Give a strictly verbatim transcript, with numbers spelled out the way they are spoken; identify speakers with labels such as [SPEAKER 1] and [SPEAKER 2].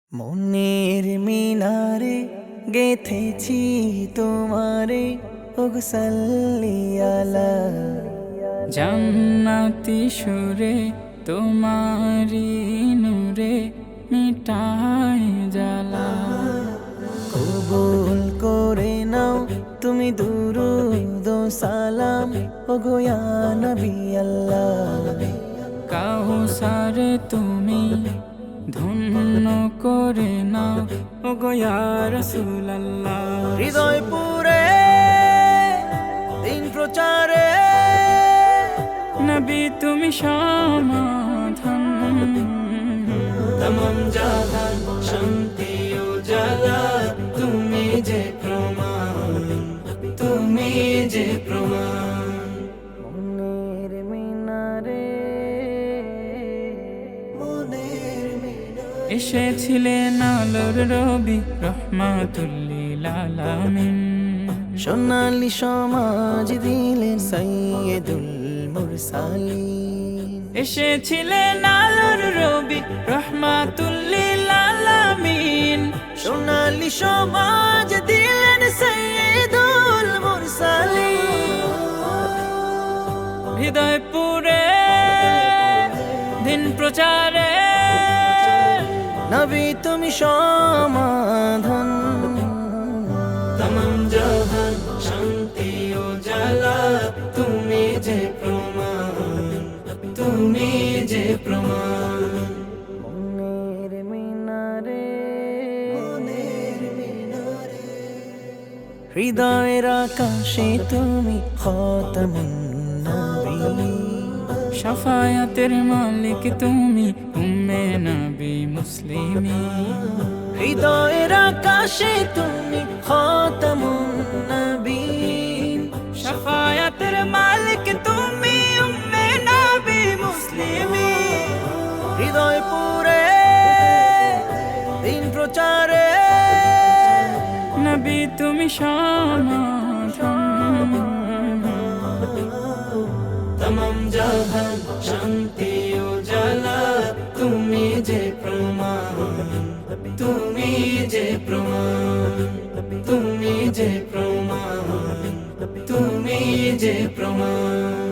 [SPEAKER 1] মনের মিনারে গেথেছি তোমারে ওগো সাল্লি আলা
[SPEAKER 2] জান্নাতি সুরে তোমারি নূরে মিটাই জ্বালা।
[SPEAKER 1] কবুল করে নাও তুমি দুরুদ ও সালাম ওগো ইয়া নবী আল্লাহ।
[SPEAKER 2] কাউসারে তুমি ধন্য করে নাও ওগো ইয়া রাসূলুল্লাহ।
[SPEAKER 1] হৃদয় পুরে দিন প্রচারে
[SPEAKER 2] নবী তুমি সমাধান,
[SPEAKER 1] তমাম জাহান শান্তি ও জালা তুমি যে প্রমাণ, তুমি যে প্রমাণ। মনের মিনারে মনের মিনারে
[SPEAKER 2] এসেছিলেন আলোর রবি রহমাতুল লিল আলামিন।
[SPEAKER 1] সোনালি সমাজ দিলেন সাইয়্যিদুল মুরসালিন।
[SPEAKER 2] এসেছিলেন আলোর রবি রহমাতুল লিল আলামিন।
[SPEAKER 1] সোনালি সমাজ দিলেন সাইয়্যিদুল মুরসালিন।
[SPEAKER 2] হৃদয় পুরে দিন প্রচারে
[SPEAKER 1] নবী তুমি সমাধান, তমাম জাহান শান্তি ও জালা তুমি যে প্রমাণ, তুমি যে প্রমাণ। মনের মিনারে মনের মিনারে হৃদয়ের আকাশে তুমি খাতামুন নবী।
[SPEAKER 2] শাফায়াতের মালিক তুমি উম্মে নবী মুসলিমিন।
[SPEAKER 1] হৃদয়ের আকাশে তুমি খাতামুন নবীন।
[SPEAKER 2] শাফায়াতের মালিক তুমি উম্মে নবী মুসলিমিন।
[SPEAKER 1] হৃদয় পুরে দিন প্রচারে
[SPEAKER 2] নবী তুমি সমাধান,
[SPEAKER 1] তমাম জাহান শান্তি ও জালা তুমি যে প্রমাণ, তুমি যে প্রমাণ, তুমি যে প্রমাণ, তুমি যে প্রমাণ।